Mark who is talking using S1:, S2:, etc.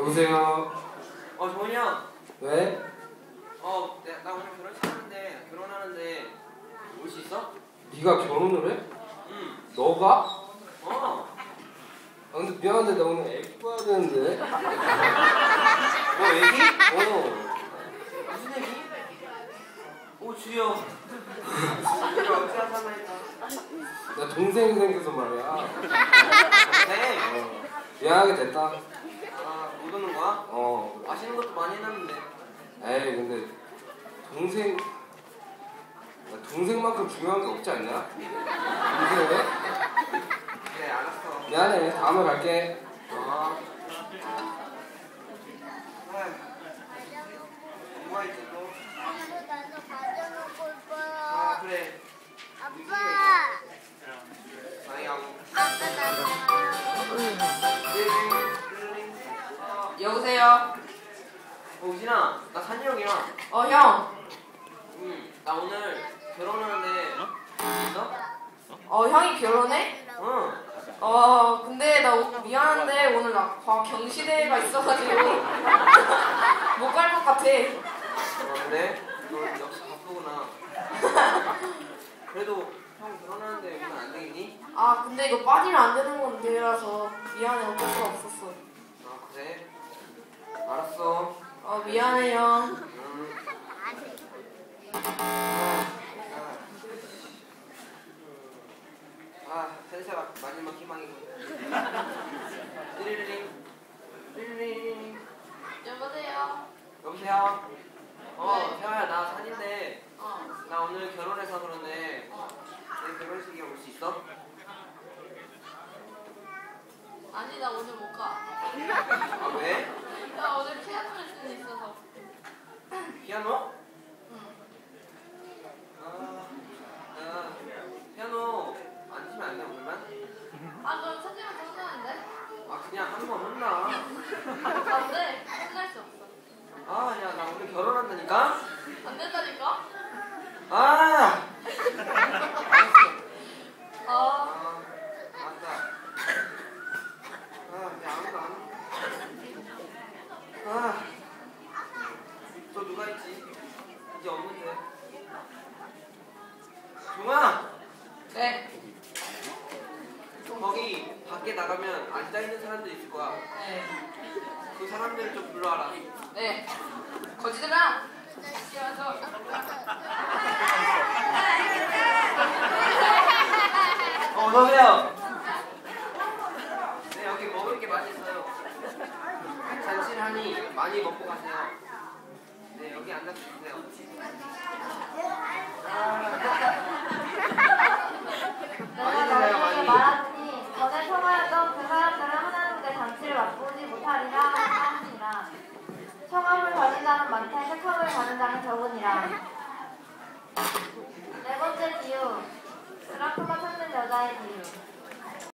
S1: 여보세요?
S2: 정훈이 형.
S1: 왜?
S2: 나 오늘 결혼식 하는데, 결혼하는데 올 수 있어?
S1: 네가 결혼을 해?
S2: 응.
S1: 너가?
S2: 어.
S1: 근데 미안한데 나 오늘 애기 봐야 되는데.
S2: 뭐 애기?
S1: 어.
S2: 무슨 애기? 오 주여. 내가 어찌 하나 했다.
S1: 나 동생 생겨서 말이야.
S2: 네.
S1: 미안하게 됐다.
S2: 못 오는 거야?
S1: 어.
S2: 맛있는 것도 많이 해놨는데.
S1: 에이 근데 동생 동생만큼 중요한 게 없지 않냐? 동생 왜?
S2: 그래 알았어.
S1: 미안해. 다음에 갈게.
S2: 뭐가 있지 또?
S3: 나도 가져놓고 싶어요.
S2: 그래.
S3: 아빠.
S2: 많이 하고.
S4: 여보세요?
S2: 우진아, 나 산이 형이야.
S4: 형.
S2: 나 오늘 결혼하는데 있어?
S4: 형이 결혼해?
S2: 응.
S4: 근데 나 미안한데 오늘 나 경시대회가 있어가지고 못 갈 것 같아.
S2: 그래? 너 역시 바쁘구나. 그래도 형 결혼하는데 오면 안 되겠니?
S4: 근데 이거 빠지면 안 되는 건데라서 미안해. 어쩔 수가 없었어.
S2: 그래? 알았어.
S4: 미안해 형.
S2: 센세가 마지막 희망이고. 띠리리링. 띠리리링.
S4: 여보세요?
S2: 여보세요?
S4: 네.
S2: 세아야, 나 산인데 나 오늘 결혼해서 그런데 내 결혼식에 올 수 있어?
S4: 아니 나 오늘 못 가.
S2: 왜?
S4: 나 오늘 피아노 레슨 있어서.
S2: 피아노?
S4: 응.
S2: 피아노 안 치면 안 돼, 오늘만?
S4: 그럼 사진만 혼나는데?
S2: 그냥 한 번 혼나.
S4: 안 돼. 혼날 수 없어.
S2: 야, 나 오늘 결혼한다니까?
S4: 안 된다니까?
S2: 알았어. 맞다. 이제 아무도 안. 또 누가 있지? 이제 없는데. 종아!
S4: 네.
S2: 거기 밖에 나가면 앉아있는 사람들 있을 거야.
S4: 네.
S2: 그 사람들 좀 불러와라.
S4: 네. 거지들아. 뛰어서.
S2: 어서오세요. 네, 여기 먹을 게 많이 있어요. 잔실하니 많이 먹고 가세요. 네, 여기 앉아서 드세요.
S3: 내가 너에게 말하노니 전에 청하였던 그 사람들은 하나님의 잔치를 맛보지 못하리라 하니라. 청함을 받은 자는 많되 택함을 받은 자는 적으니라. 네 번째 비유. 드라크마 찾는 여자의 비유.